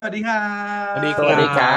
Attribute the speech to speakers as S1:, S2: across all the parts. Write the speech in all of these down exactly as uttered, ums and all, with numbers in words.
S1: วัสดีครั
S2: สวัสดี
S1: บ
S2: ครั
S3: สวัสดีครับ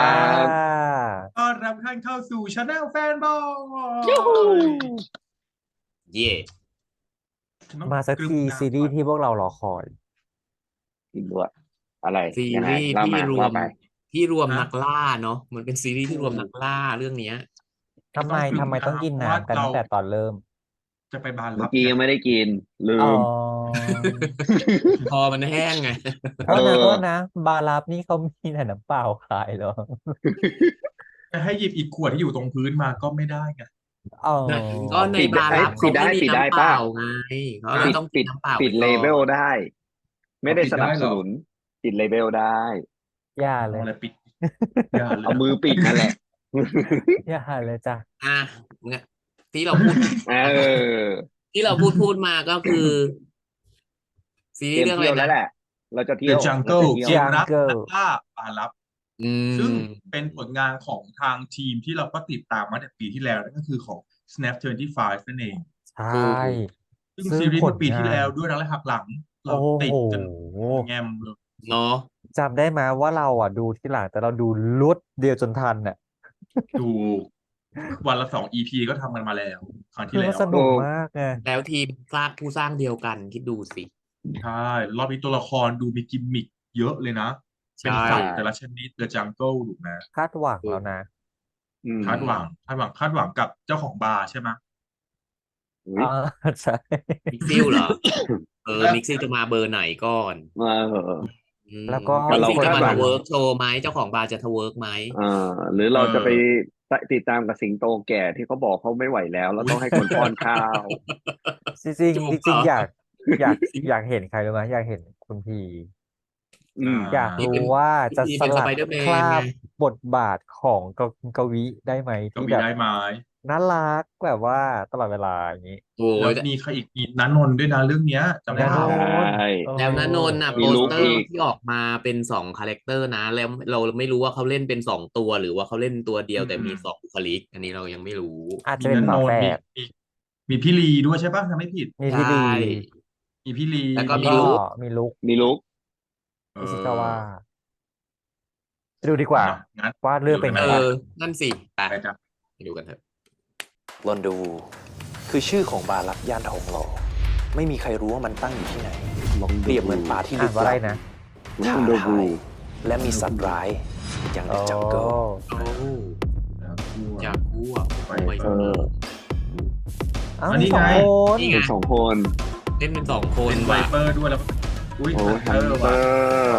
S2: บ
S1: ต้อนรับท่านเข้าสู่ช anel แฟนบอ
S3: ยูฮู
S1: ย
S2: เย่
S1: ฉันต้อง
S2: มาสักที
S1: กรุณา
S2: ซีรี
S1: ก่อน
S2: ส์ที่พวกเรารอคอย
S3: กินด้วยอะไร
S2: ซี
S3: ยังไง
S2: รีส์
S3: เล่ามา
S2: ที่รวม
S3: ว่าไป
S2: ที่รวม
S1: นะ
S2: นักล่าเนาะมันเป็นซีรีส์
S3: อื
S2: ที่รวมนัก
S3: ม
S2: ล่าเรื่องเนี้ย
S1: ก็
S2: อื
S1: ต้อ
S2: ม
S1: งกรุ
S2: อืม
S1: ณา
S2: อืม
S1: เพราะว่า
S2: อืม
S1: เรา
S2: กันตั้งแต่ตอนเริ่ม
S1: จะไปบาน
S3: เมื่
S1: รับไง
S3: อกี้ยังไม่ได้กินลื
S2: อ๋อ
S3: ม
S2: พอมันแห้งไง
S3: เอ
S2: โทษนะโท
S3: อ
S2: ษนะบารับนี่เขามีแต่น้ำเปล่าขายเหรอ
S1: จะให้หยิบอีกขวดที่อยู่ตรงพื้นมาก็ไม่ได้ไง
S2: อ๋อ
S3: นะ
S2: ก็ใน
S3: ปิดได้เอ้ย
S2: บารับ
S3: ปิดได้
S2: เขาไม่มี
S3: ปิดได้
S2: น้ำเปล่า
S3: ป่ะ
S2: ไงเขาเล
S1: นะ
S2: ยต้องกิ
S3: ปิดปิด
S2: นน้ำเปล่า
S3: ปิ
S2: ไปก่อ
S3: ดเลเวล
S2: น
S3: ได้ไม่
S1: เอาปิด
S3: ได้ส
S1: ได้เหรอ
S3: นับสนุนปิดเลเวลได้
S2: อย่าเลย
S1: เอาอะไรปิดอย่าเลย
S3: เอามือปิดนั่นแหละ
S2: อย่าเลยจ้ะ
S4: อ่ะเนี่ยที่เราพูด
S3: เออ
S4: ที่เราพูดพูดมาก็คือซี
S3: เตรียม
S4: รีส์เรื่องอะไรนะ
S3: เที่ยวแล้วแหละเราจะเที่
S1: The
S3: ยวเราจะ
S1: Jungle
S3: เที่ยว
S1: เกมรักนัก
S2: Jungle
S1: ล่าบานรับ
S4: อื
S1: ซึ่ง
S4: ม
S1: เป็นผลงานของทางทีมที่เราก็ติดตามมาตั้งแต่ปีที่แล้วนั่นก็คือของ snap ยี่สิบห้านั่นเอง
S2: ใช่
S4: ถูก
S1: ซึ่ง
S2: ซึ่งผล
S1: ซีรีส์เมื่อปี
S2: งาน
S1: ที่แล้วด้วยรักและหักหลังเรา
S2: โอ้โห
S1: ติดกันแงมเลย
S4: เนาะ
S2: จำได้ไหมว่าเราอ่ะดูที่หลังแต่เราดูลุดเดียวจนทันอ่ะ
S1: ดูวันละสอง อี พี ก็ทำกันมาแล้วครั้ง
S2: คือมัน
S1: ที่แล้วอะ
S2: สนุก
S3: โอ้
S2: มากไง
S4: แล้วทีมสร้างผู้สร้างเดียวกันคิดดูสิ
S1: ใช่รอบนี้ตัวละครดูมีกิมมิคเยอะเลยนะ เป็น
S4: ใช่
S1: สัตว์แต่ละชนิด The Jungle ถูกไหม
S2: คาดหวัง
S4: ถูก
S2: แล้วนะ
S3: อืม
S1: คาดหวังคาดหวังคาดหวังกับเจ้าของบาร์ใช่ไหม
S3: อุ้
S2: อ่า
S3: ย
S2: ใช่
S4: มิกซิลเหรอเออมิกซิลจะมาเบอร์ไหนก่อน
S3: เออ
S4: อืม
S2: แล้วก็
S3: แต่เรา
S4: มิกซิลจะ
S3: คาดหวัง
S4: มาทเวิร์กโชว์ไหมเจ้าของบาร์จะทเวิร์กไหม
S3: เอ่าหรือ
S1: เอ
S3: เราจะไป
S1: อ
S3: ติดตามกับสิงโตแก่ที่เขาบอกเขาไม่ไหวแล้วแล้ว
S4: อุ๊ย
S3: ต้องให้คนป้อนข้าว
S2: จริง
S4: จูบเหรอ
S2: ๆจริงๆอยากอยากอยากเห็นใครรู้ไหมอยากเห็นคุณพี
S3: อืม
S2: อยาก
S4: นี่
S2: รู้
S4: เป็น
S2: ว่าจะ
S4: นี่
S2: สลัด
S4: เป็นสไปเดอร์แม
S2: ครา
S4: นไง
S2: บบทบาทของกกวีได้ไหม
S1: ก็
S2: ที่แบบ
S1: มีได้ไหม
S2: น่ารักแบบว่าตลอดเวลาอย่างนี้
S4: โอ้
S1: แล้ว
S4: ย
S1: มีใครอีกมีนันนนท์ด้วยนะเรื่องเนี้ยจำได้
S2: นาโน
S1: เปล่า
S3: ใช่
S2: นเอ
S4: แล้วณนนท์
S2: อ
S4: น่ะ
S1: เอ
S4: โป
S3: มี
S4: สเตอร์
S3: ลุกอีก
S4: ที่ออกมาเป็นสองคาแรคเตอร์นะแล้วเราไม่รู้ว่าเขาเล่นเป็นสองตัวหรือว่าเขาเล่นตัวเดียว
S1: อื
S4: แต่มีสอง
S1: ม
S4: บุคลิกอันนี้เรายังไม่รู้
S2: อาจ
S1: มีนัน
S2: จะเป็นฝาแฝ
S1: นนท์มี
S2: ด
S1: มีมีพี่ลีด้วยใช่ปะถ้าไม่ผิด
S4: ใช
S2: มีพี่ลี
S4: ่
S1: มีพี่ลี
S4: แล้วก็
S2: แล้วก็
S1: มี
S4: มีลุค
S2: มีลุก
S3: มีลุก
S1: เอ
S2: อิชิกาวะ
S1: อ
S2: ไปดูดีกว่า
S1: เนาะงั้น
S2: ว่า
S1: ไปดู
S2: เรื่องเป็นไง
S4: เอ
S1: กันไหม
S2: บ้าง
S4: อนั่นสิไป
S1: ไปจ้ะ
S4: ไปดูกันเถอะ
S5: ลอนดูวูคือชื่อของบาร์ลับย่านทองหล่อไม่มีใครรู้ว่ามันตั้งอยู่ที่ไหน
S3: ลอง
S5: เปรียบเหมือนป่าที่
S2: อ่า
S5: ลึ
S2: น
S5: ก
S2: ว่าอะไร
S5: ลับ
S2: นะ
S3: ลอ
S5: ท้าง
S3: ดู
S5: ทายและมีสัตว์ร้ายอย่าง
S2: โอ้
S5: เดอะจังเกิล
S4: โอ้จากกูอ่ะ
S1: ไป
S4: ไม่
S3: เออ
S2: อ้าว
S1: อันนี้
S2: มีสอง
S1: ไง
S2: คน
S4: นี่ไง
S3: เป็นสองคน
S4: เล่นเป็นสองคน
S1: เป็นไว
S4: ว่ะ
S1: เปอร์ด้วยแล้วก็อุ้ย
S3: โอ้
S1: ฮัน
S3: ฮั
S1: เตอน ร์
S3: เต
S1: ว่ะ
S3: อร์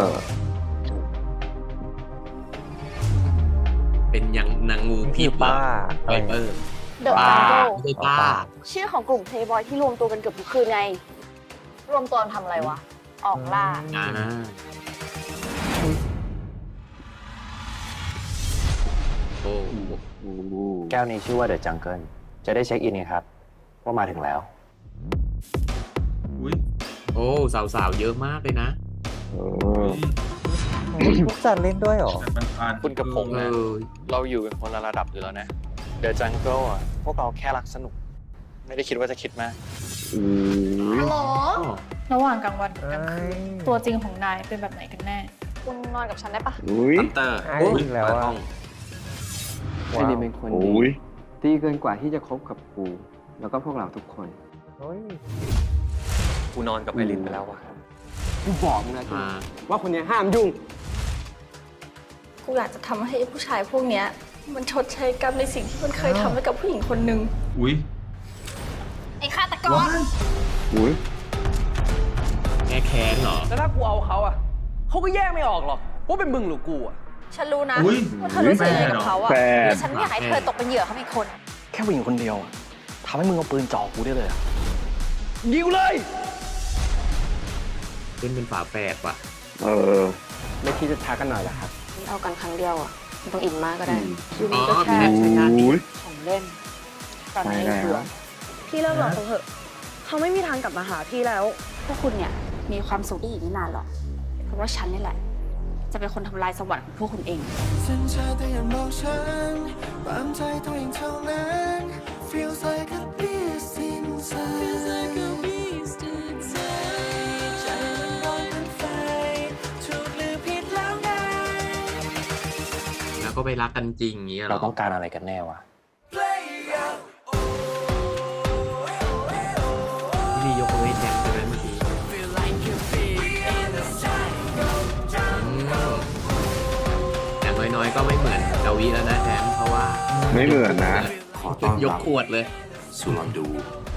S4: เป็นยังนางงู
S2: นี่
S4: พิ
S2: คื
S4: ษ
S2: อ
S4: เหรอ
S2: ป้าอะ
S4: ไว
S2: ไร
S4: เปอร์
S6: เดอะ
S4: ป้า
S6: จังเกิล
S4: ไม่ใช่ป้า
S6: ชื่อของกลุ่มเพลย์บอยที่รวมตัวกันเกือบทุกคืนไง รวมตัวกันทำอะไรวะ ออกล่า
S4: อ่า โอ้
S3: โอ้
S5: แก้วนี้ชื่อว่าเดอะจังเกิลจะได้เช็คอินไงครับ ว่ามาถึงแล้ว
S1: อุ้ย
S4: โอ้สาวๆเยอะมากเลยนะ
S3: เอ
S1: อุ้
S3: อย
S2: พวกจันเล่นด้วยเหรอ
S1: แต่มันผ่าน
S7: คุณกับผม
S4: เอ
S7: นะ
S4: อ
S7: เราอยู่กันคนละระดับอยู่แล้วนะ เดอะจังเกิลอ่ะ พวกเราแค่รักสนุก ไม่ได้คิดว่าจะคิดมาก
S3: อืม
S6: ฮัลโหล
S8: ระหว่างกลางวันกับกลางคืน
S2: เอ้ย
S8: ตัวจริงของนายเป็นแบบไหนกันแน่
S6: คุณนอนกับฉันได้ปะ
S3: อุ้ย
S4: ฮันเตอร์
S2: ไอ้
S4: โอ้ย
S2: อีกแล้วอะ
S4: ต้อง
S9: ไอ้นี่เป็นคน
S3: โอ้
S9: ดี
S3: ย
S9: ดีเกินกว่าที่จะคบกับกู แล้วก็พวกเราทุกคน
S2: เฮ้ย
S7: กูนอนกับไอรินไปแล้วว่ะ
S9: กูบอกมึงนะที
S4: มา
S9: ว่าคนเนี้ยห้ามยุ่ง
S8: กูอยากจะทำให้ผู้ชายพวกเนี้ยมันชดใช้กรรมในสิ่งที่มันเคยทำไว้กับผู้หญิงคนหนึ่ง
S1: อุ้ย
S6: ไอ้ฆาตกร
S1: ว้าย
S3: อุ้ย
S4: แก้แค้นเหรอ
S10: แล้วถ้ากูเอาเขาอ่ะ เขาก็แยกไม่ออกหรอกว่าเป็นมึงหรือกูอ่ะ
S6: ฉันรู้นะ
S1: อุ้ย
S6: ว่าเธอรู้สึกยังไงกับเขาอะ
S3: แฟน
S6: แต่ฉันไม่อยากให้เธอตกเป็นเหยื่อเขาอีกคน
S7: แค่ผู้หญิงคนเดียวอะทำให้มึงเอาปืนจ่อกูได้เลยอะยิงเลย
S4: เล่นเป็นฝาแฝดว่ะ
S3: เออ
S9: ไม่คิดจะทักกันหน่อยเหรอครับ
S6: เอากันครั้งเดียวอะไม่ต้องอินมากก็ได้
S3: อืม
S6: ยูนี้ก็
S4: อ๋อ
S6: แค่
S4: ใช่ใช่
S3: อุ้ย
S6: ของเล่น ตอน
S3: ใช่
S6: นี้
S3: แล้ว
S6: เบื่อ
S8: พี่เลิกหลอกเขาเถอะ เขาไม่มีทางกลับมาหาพี่แล้ว
S6: พวกคุณเนี่ยมีความสุขได้อีกไม่นานหรอก เพราะว่าฉันนี่แหละ จะเป็นคนทำลายสวรรค์ของพวกคุณเอง
S11: สัญชาตญาณบอกฉันตามใจตัวเองเท่านั้น Feels like a beast insideใจมันร้อนเป็นไฟถูกหรือผิดแล้วไง
S4: ก็ไปรักกันจริงอย่างเงี้ยเหร
S5: เรา
S4: อ
S5: ต้องการอะไรกันแน่วะ
S4: พี่ลียกมือให้แทนใช่ไหมเมื่อกี้อืมอย่างน้อยๆก็ไม่เหมือนดาวิแล้วนะแทนเพราะว่า
S3: ไม่เหมือนนะ ขอต้อน
S4: ย
S3: รั
S4: ก
S3: บ
S4: ขวดเลย
S5: สุลอนดู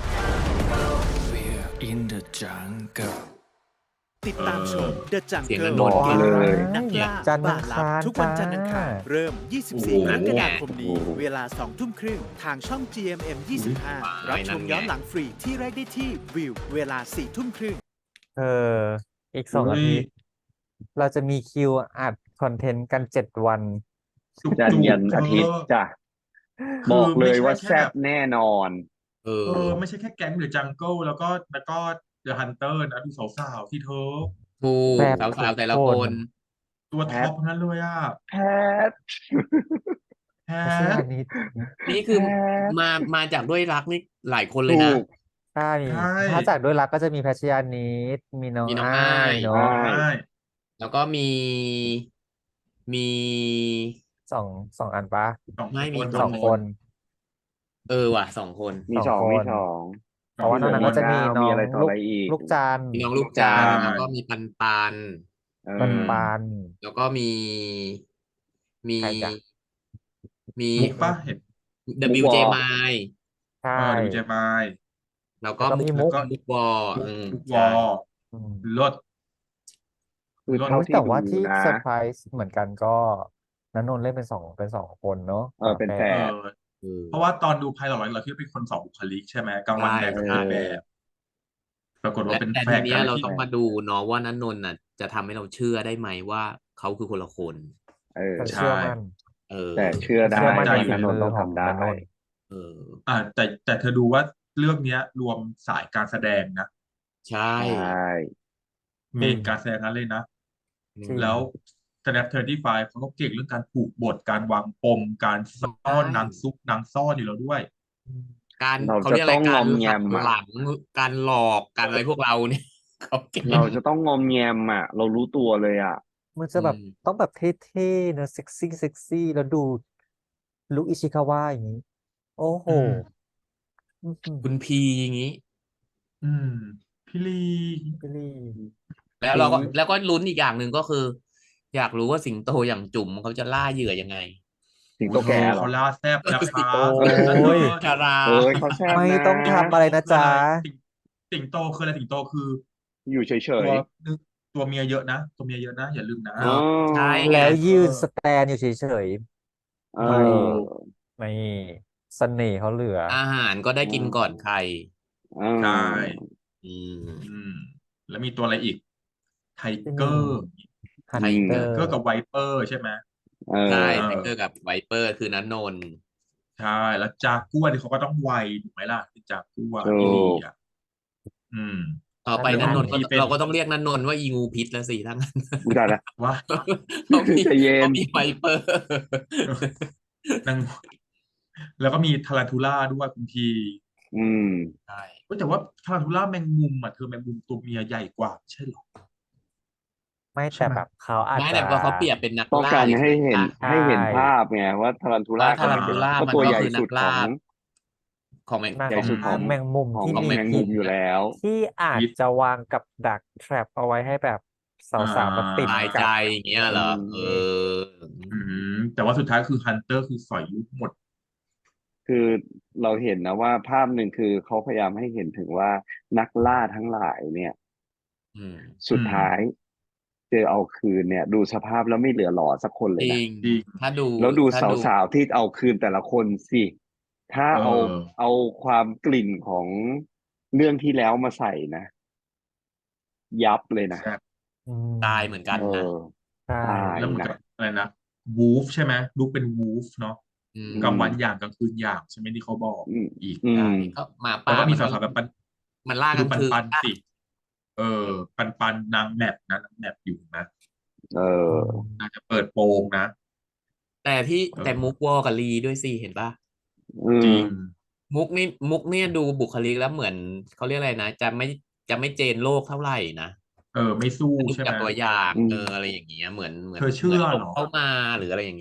S11: in the jungle
S12: ติดตามชม The
S4: เสียง
S12: Jungle
S4: นนท์
S3: บอกเลย
S12: นักล่า
S2: จันทร์
S12: ป่า
S2: อัง
S12: ลั
S2: คาร
S12: บทุกวัน
S2: จ้า
S12: จันทร์อังคารเริ่ม ยี่สิบสี่
S4: โอ้โห
S12: กรกฎาคมนี้
S3: โอ้โห
S12: เวลา สอง ทุ่มครึ่ง ทางช่อง จี เอ็ม เอ็ม ยี่สิบห้า รับชมย้อนหลังฟรีที่แรกได้ที่วิวเวลา สี่ ทุ่มครึ่ง
S2: เออ อีกสองอาทิตย์เราจะมีคิวอัดคอนเทนต์กันเจ็ดวัน
S1: จุก
S3: จันทร์ยัน
S1: ๆ
S3: อาทิตย์
S1: เธอ
S3: จ้ะ
S1: คือ
S3: บอกเลย
S1: ไม่ใช่
S3: ว่า
S1: แค่
S3: แซ่บแน่นอน
S4: เออ
S1: เออไม่ใช่แค่แก๊งหรือจังเกิลแล้วก็แล้วก็เดอะฮันเตอร์นะดูสาวๆที่เธอ
S4: ถูก
S2: แบบ
S4: สาวๆแต่ละ
S2: ทุก
S4: ค
S2: คน
S4: น
S1: ตัวท็อปทั้งนั้นเลยอ่ะ
S3: แพท
S1: แฮ
S2: ไม่ใช่
S1: ะ
S2: อันนี้
S4: นี่คือ
S3: แพท
S4: มามาจากด้วยรักนี่หลายคนเลย
S3: ถู
S4: นะ
S3: ก
S2: ใช่
S1: ใช่
S2: ถ้าจากด้วยรักก็จะมีแพชชยานิดมีน้อง
S4: มีน้อง
S2: อ้า
S4: อ้าย ย
S2: เนาะ
S3: ใช่
S1: ใช่
S4: แล้วก็มีมี
S2: สองสองอันปะ
S1: สอง
S4: ไม่มี
S1: คน
S2: สองคน
S4: เออว่ะสองคน
S3: มี
S2: ส
S3: ส
S2: อ
S3: อง ง
S2: คน
S3: มีสอง
S2: เพราะว่า
S3: มี
S2: นอกนั้นก็จะมี
S3: ดาว
S2: น้
S3: มี
S2: อง
S3: อะไรต่อ
S2: ลู
S3: อะไร
S2: ก
S3: อีก
S2: ลูกจันทร์
S4: มีน้องลูกจาน
S3: ลูกจาน
S4: แล้วก็มีปันปัน
S3: เออ
S2: ปันปัน
S4: แล้วก็มีมี
S2: ใครจ๊ะ
S4: มี
S1: มุกปะเห็น
S4: ดับเบิลยู เจ
S3: มุกวอ
S4: มาย
S2: ใช่
S1: เออดูเจมาย
S4: แล้วก็
S2: แล้วก็มี
S4: มุก
S2: มุก
S4: มุกวออืม
S1: มุกว
S4: ใช่
S1: อ
S2: อืม
S1: ลด
S3: คือ
S1: รถ
S3: เท่า
S2: โอ้ย
S3: ที่
S2: แต่
S3: ดู
S2: ว่าที่
S3: นะ
S2: เซอร์ไพรส์เหมือนกันก็ณนนท์เล่นเป็นสองเป็นสองคนเนาะ
S3: เออเป็นแฝ
S1: เอ
S3: ด
S1: อ
S4: เออ
S1: เพราะว่าตอนดูไพลอตเราคิดว่าเป็นคนสองบุคลิกใช่ไหมกลางวัน
S4: ใช่
S1: แบบกับ
S3: เอ
S1: กลาง
S3: อ
S1: แบบ ปรากฏว่า
S4: และ
S1: เป็น
S4: แต่
S1: แฝ
S4: ที
S1: ด
S4: เนี้
S1: กั
S4: ย
S1: น
S4: เรา
S1: ที่
S4: ต้องมาดูเนาะว่านันนนท์น่ะจะทำให้เราเชื่อได้ไหมว่าเขาคือคนละคน
S3: เออ
S2: แต่
S1: ใช่
S2: เชื่อมั่น
S4: เออ
S3: แต่เชื่อได้
S2: เชื่อมั่น
S1: ใจ
S2: ใน
S3: ว่า
S2: ฝี
S3: นันน
S2: มื
S3: นท์
S2: อ
S3: ต้อง
S2: ของ
S3: ทำได้
S2: ณนนท์
S4: เออ
S1: อ่าแต่แต่เธอดูว่าเรื่องเนี้ย รวมสายการแสดงนะ
S4: ใช่
S3: ใช่
S1: เมนการแสดงนั้นเลยนะ
S2: จริง
S1: แล้ว Snap เทอร์ตี้ไฟว์เขาก็เก่งเรื่องการผูกบทการวางปมการซ่อนนางซุกนางซ่อนอยู่แล้วด้วย
S4: การ
S3: เรา
S4: เขา
S3: จะ
S4: เรียกอะไร
S3: ต้องง
S4: กา
S3: อ
S4: ร
S3: มแง
S4: หัก
S3: มอ่ะ
S4: หลังการหลอกการอะไรพวกเราเนี่ย เขาเก่ง
S3: เราจะต้องงอมแงมอ่ะ เรารู้ตัวเลยอ่ะ
S2: มันจะแบบ
S4: อืม
S2: ต้องแบบเท่ๆเนอะเซ็กซี่เซ็กซี่แล้วดูลุคอิชิคาวะอย่างนี้ โอ้โห
S1: อืม
S2: อื้อหือ
S4: คุณพีอย่างนี้
S1: อืมพี่ลี
S2: พี่ลี่
S4: แล้วเราก็แล้วก็ลุ้นอีกอย่างหนึ่งก็คือ อยากรู้ว่าสิงโตอย่างจุ๋มเขาจะล่าเหยื่อยังไง
S3: สิงโตแก่เหรอ
S1: เขาล่าแซบนะคะ
S2: โอ้
S1: นั่น
S2: ย
S1: เลย
S4: ชารา
S3: เอ้ยเขาแซ่บ
S2: ไม่
S3: นะ
S2: ต้องทำอะไรนะจ๊ะ
S1: สิงสิงโตคืออะไรสิงโตคือ
S3: อยู่เฉ
S1: ตั
S3: ยว
S1: ตัวเมียเยอะนะ ตัวเมียเยอะนะ อย่าลืมนะ
S3: ๆอ๋อ
S4: ใช่ไง
S2: แล้วยืนสแตนอยู่เฉย
S3: เอ
S2: ไม่
S3: อ
S2: ๆไม่เสน่ห์เขาเหลือ
S4: อาหารก็ได้กินก่อนใคร
S3: เออ
S1: ใช่
S4: อืม
S1: อืม แล้วมีตัวอะไรอีก ไทเกอร์
S2: ฮัน
S3: อืม
S2: เตอ
S1: ไท
S2: ร์
S1: เกอร์กับไวเปอร์ใช่ไหม
S3: เออ
S4: ใช่
S1: เออ
S4: ไทเกอร์กับไวเปอร์คือนันนนท์
S1: ใช่ แล้วจากัวที่เขาก็ต้องไวถูกไหมล่ะเป็นจากัว
S3: ถูก
S1: พี่ลีอ่ะอืม
S4: ต่อไป
S2: นั
S4: นั
S2: น
S4: น
S2: น
S4: น
S2: น
S4: น
S2: ท์
S4: ท์ก็
S1: ที่เป็น
S4: เราก็ต้องเรียกนันนนท์ว่าอีงูพิษแล้วสิทั้งนั้น
S3: อุยตายละ
S1: ว่า
S4: เพราะมี
S3: ใจเย็น
S4: เพราะมีไวเปอร์
S1: นางแล้วก็มีทารันทูล่าด้วยคุณที
S3: อืม
S4: ใช่
S1: เว้ยแต่ว่าทารันทูล่าแมงมุมอ่ะเธอแมงมุมตัวเมียใหญ่กว่าไม่ใช่หรอ
S2: ไม่
S1: ใช่
S2: แต่
S1: ไหม
S2: แบบเขาอาจ
S4: ไม่
S2: จะ
S4: แต่ว่าเขาเปรียบเป็นนัก
S3: ต้อง
S4: ล่า
S3: การ
S4: เฉ
S3: ให้
S4: ย
S3: เห็น
S4: ๆนะ
S3: ให้เห็น
S2: ใช่
S3: ภาพไงว่าทารันทูล่า
S4: ว่าทารันทูล่า
S3: ก็
S4: มัน
S3: ตัว
S4: ก็
S3: ใหญ่
S4: คือนั
S3: สุ
S4: ก
S3: ดข
S4: ล่า
S3: อง
S4: ของแมง
S2: ไม่
S3: ใหญ่
S2: ของ
S3: สุดของ
S2: แมงมุม
S3: ของ
S2: ที่
S3: ของ
S2: มี
S3: แมงมุมอยู่แล้ว
S2: ที่อาจ
S1: พิษ
S2: จะวางกับดักแทรปเอาไว้ให้แบบสาวๆมาติด
S4: ตาย
S2: กั
S4: ใจ
S2: บ
S4: อย่างเงี้ยเหรอ เออ
S1: อืมแต่ว่าสุดท้ายคือฮันเตอร์คือสอยลูกหมด
S3: คือเราเห็นนะว่าภาพหนึ่งคือเขาพยายามให้เห็นถึงว่านักล่าทั้งหลายเนี่ย
S4: อืม
S3: สุดท้าย เจอเอาคืนเนี่ย ดูสภาพแล้วไม่เหลือหล่อสักคนเล
S4: จ
S3: ย
S4: ริ
S3: นะ
S4: ง
S1: จริง
S4: ถ้าดู
S3: แล้วดู
S4: ถ้าดู
S3: สาวๆที่เอาคืนแต่ละคนสิ ถ้า
S1: เอ
S3: เอา
S1: อ
S3: เอาความกลิ่นของเรื่องที่แล้วมาใส่นะ ยับเลยนะ
S1: แซ่บ
S2: อืม
S4: ตายเหมือนกัน
S3: เอ
S4: นะ
S3: อ
S2: ใช่
S3: ตาย
S1: แล้วเหมือน
S3: นะ
S1: กับอะไรนะวูฟใช่ไหมลูกเป็นวูฟเนาะ
S4: อืม
S1: กลางวันอย่างกลางคืนอย่างใช่ไหมที่เขาบอก
S3: อืม
S1: อีก
S3: อื
S4: ใช่
S3: ม
S4: ก็หมา
S1: แล้ว
S4: ป่า
S1: ก็มี
S4: มัน
S1: สา
S4: ก็
S1: วๆแบบปัน
S4: มันล่า
S1: ดู
S4: กลาง
S1: ปัน
S4: คืน
S1: ปัน
S4: นะ
S1: สิเออ ปันปันนางแมปนะนางแมปอยู่นะ
S3: เออ
S1: น่าจะเปิดโปงนะ
S4: แต่ที่
S1: เออ
S4: แต่มุกวอกับลีด้วยสิเห็นปะ
S3: อื
S1: จริ
S3: ม
S1: ง
S4: มุกนี่มุกเนี่ยดูบุคลิกแล้วเหมือนเขาเรียกอะไรนะ จะไม่จะไม่เจนโลกเท่าไหร่นะ
S1: เออ ไม่สู้
S4: ดู
S1: ใช่ไห
S4: จาก
S1: ม
S4: ตัวอย่าง
S3: อืม
S4: เอออะไรอย่างเงี้ยเหมือนเหมือน
S1: เธอเชื่อ
S4: หมืน
S1: เหรอ
S4: เข้ามาหรืออะไรอย่างเงี้ย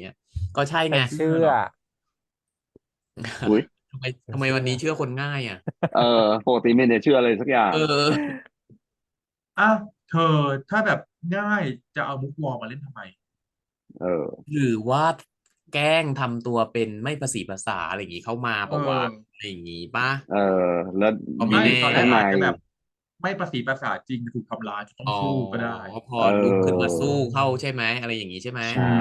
S4: ก็ใช่
S2: ฉั
S4: ไง
S2: นเชื่อ
S3: อุ้ย
S4: ทำไม
S2: ฉัน
S4: ทำไม
S2: เชื่
S4: วัน
S2: อ
S4: นี้เชื่อคนง่ายอ่ะ
S3: เออปกติไม่เนี่ยเชื่ออะไรสักอย่าง
S4: เออ
S1: อ้าวเธอถ้าแบบง่ายจะเอามุกวอลมาเล่นทำไม
S3: เออ
S4: หรือว่าแกล้งทำตัวเป็นไม่ภาษีภาษาอะไรอย่างงี้เข้ามา
S1: เอ
S4: ปะวะ
S1: อ
S4: อะไรอย่างงี้ป่ะ
S3: เออ แล้ว
S4: ก็
S1: ไม่
S4: ไม่แน่
S1: ตอนแร
S3: ข้าก งใน
S1: อาจจะแบบไม่ประสีประสาทจริงถูกทำร้ายจะต้อง
S4: อ๋อ
S1: สู้ก็ได้
S4: พอ
S3: เอ
S4: ลุกขึ้นมา
S3: อ
S4: สู้เข้าใช่ไหม อะไรอย่างงี้ใช่ไหม
S3: ใช่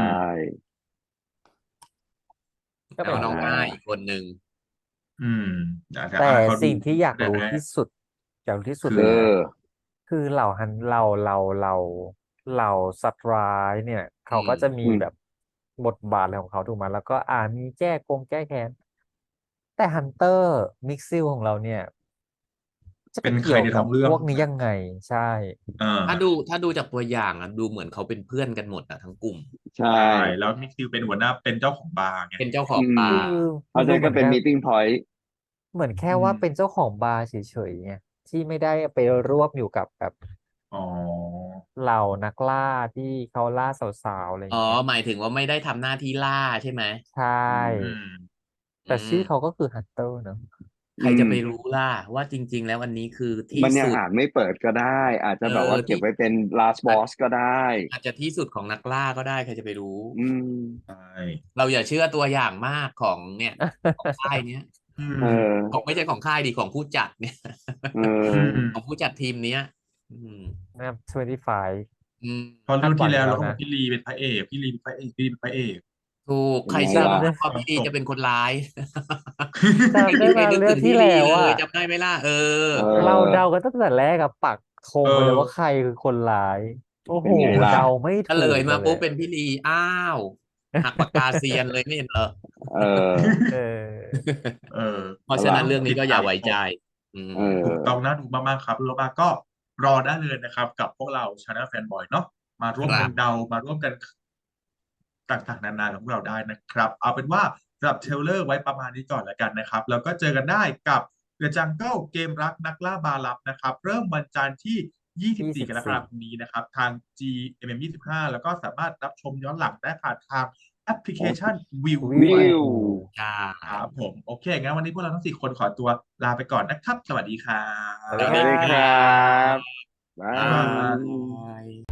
S2: ก็
S4: แล้
S2: เป็
S4: วน น้อง
S2: ไป
S4: อ้า
S2: ได้
S4: ยอีกคนหนึ่ง
S1: อืมแต่แต่
S2: แต่
S1: อาเขาดู
S2: สิ่งที่อยาก
S1: แต่
S2: รู้
S1: แร
S2: ที่
S1: ก
S2: สุด อยากรู้ที่สุด
S1: คื
S2: เล
S3: เอย
S2: นะ
S3: อ
S2: คือเหล่าฮัน เหล่า เหล่า เหล่า เหล่าสัตว์ร้ายเนี่ย
S4: อื
S2: เขาก็จะมี
S3: อืม
S2: แบบบทบาทอะไรของเขาถูกไหม แล้วก็ อ่า มีแก้กงแก้แค้น แต่ฮันเตอร์มิกซิลของเราเนี่ย จะไป
S1: เป็น
S2: เก
S1: ใคี รี่
S2: ยว
S1: ใน
S2: กั
S1: ท้
S2: บ
S1: องเรื่อ
S2: พ
S1: ง
S2: วก
S1: ถูก
S2: นี้
S1: ไหม
S2: ยังไง ใช่
S1: อา
S4: ถ้าดู ถ้าดูจากตัวอย่างอะ ดูเหมือนเขาเป็นเพื่อนกันหมดอะทั้งกลุ่ม
S3: ใช่
S1: ใช่ แล้วมิกซิลเป็นหัวหน้า เป็นเจ้าของบาร์ไง
S4: เป็นเจ้าข
S3: อื
S4: อง
S3: ม
S4: บา
S2: คื
S4: ร์
S2: อ
S3: เพ
S2: มัน
S3: ราะฉะ
S2: ดู
S3: นั้น
S2: เหม
S3: ก็
S2: ือน
S3: เป็น
S2: แค่
S3: meeting point
S2: เหมือนแค่
S1: อื
S2: ว่า
S1: ม
S2: เป็นเจ้าของบาร์เฉย ๆ ไง ที่ไม่ได้ไปรวบอยู่กับแบบ
S1: อ๋อ
S2: เหล่านักล่าที่เขาล่าสาว ๆ อะไรอ
S4: อ๋อ
S2: ย่างเงี้ย
S4: หมายถึงว่าไม่ได้ทำหน้าที่ล่าใช่ไหม?
S2: ใช่
S3: อืม
S1: อืม
S2: แต่ชื่อ
S4: อืม
S2: เขาก็คือ Hunter เนาะ
S4: ใครจะไป
S3: อืม
S4: รู้ล่ะ ว่าจริง ๆ แล้วอันนี้คือที่
S3: มันยั
S4: ส
S3: ง
S4: ุด
S3: อาจไม่เปิดก็ได้ อาจจ
S4: เ
S3: ะ
S4: อ
S3: แบบว่า
S4: อ
S3: เก
S4: ท็ี่
S3: บไว้เป็น last
S4: อาจ
S3: boss ก็ได้
S4: อาจจะที่สุดของนักล่าก็ได้ ใครจะไปรู้
S3: อืม
S1: ใช่
S4: เราอย่าเชื่อตัวอย่างมากของเนี่ย ของค่ายเนี้ย
S1: อื
S3: เอ
S1: ม
S3: อ
S4: ของ ไม่ใช่ของค่ายดิ ของผู้จัด เนี่ย
S3: เอ
S1: อื
S3: อ
S1: ม
S4: ของผู้จัดทีมเนี้ย อืม
S2: นะครับ twenty-five
S4: อืม
S1: เพราะ
S2: คา
S1: เรื่
S2: ด
S1: อง
S2: หวั
S1: ที่
S2: ง
S1: แล
S2: อ้
S1: ว
S2: ยู่แล
S1: เรา
S2: ้วน
S1: ก็บอ
S2: ะ
S1: กพี่ลีเป็นพระเอก พี่ลีเป็นพระเอก พี่ลีเป็นพระเอก
S4: ถูก
S3: เป็น
S4: ใคร
S3: ไง
S4: เชื่อ
S3: ล่ะ
S4: บ้าง
S1: ต
S4: ว่า
S1: อน
S4: พี่ลี
S1: จ
S4: จะ
S1: บ
S4: เป็นคนร้าย
S2: จำ ได้
S4: ไม่
S2: เปล่า
S4: ไม่นึก
S2: เรื่
S4: ถ
S2: อง
S4: ึง
S2: ที่
S4: พี่
S2: แล
S4: ลี้
S2: ว
S4: เล
S2: อะ
S4: ย จำได้ไหมล่ะ? เออ
S3: เอ
S2: เรา
S3: อ
S2: เดากันตั้งแต่แรกอะ ปักธง
S1: เอ
S2: ไปเลยว่า
S1: อ
S2: ใครคือคนร้าย โอ้
S3: เป
S2: โ
S3: ็
S2: ฮ
S3: นไงล่ะ?
S2: เดาไม่
S4: เฉ
S2: ถู
S4: ลย
S2: ก
S4: มาป
S2: กันเลุ
S4: ๊บ
S2: ย
S4: เป็นพี่ลี อ้าว หักปากกาเซียนเลย ไม่เห็นเหรอ?
S3: เออ
S2: เออ
S1: เออ
S4: เพราะฉะ
S3: ล่ะ
S4: นั้นเรื่องน
S1: ตี้ด
S4: ก็อ
S1: ต
S4: ย่า
S1: าม
S4: ไว้
S1: ช
S4: ใจ อื
S3: เอ
S4: ม
S1: ถูกต้อง
S3: อ
S1: น่าดูมาก ๆ ครับ รู้มาก ก็รอได้เลยนะครับ กับพวกเรา Channel Fanboy เนาะ มาร่วม
S4: คร
S1: กั
S4: ั
S1: น
S4: บ
S1: เดา มาร่วมกัน ค ต่าง ๆ นานากับพวกเราได้นะครับ เอาเป็นว่าสำหรับเทรลเลอร์ไว้ประมาณนี้ก่อนแล้วกันนะครับ แล้วก็เจอกันได้กับ The Jungle เกมรักนักล่าบาลับนะครับ เริ่มวันจันทร์ที่ ยี่สิบสี่ กรกฎาคมนี้นะครับ ทาง จี เอ็ม เอ็ม ยี่สิบห้า แล้วก็สามารถรับชมย้อนหลังได้ผ่านทางแอปพลิเคชัน Viu
S2: วิ
S1: ด้วย
S3: วิว
S4: ใช่
S1: ครับผม โอเค งั้นวันนี้พวกเราทั้ง สี่ คนขอตัวลาไปก่อนนะครับ สวัสดีครั
S2: สวัสดี
S1: บ
S2: ค
S3: สวัสดี
S2: รั
S3: ครับ
S2: บ
S3: บา
S1: บ๊ายบาย
S3: ย
S4: ย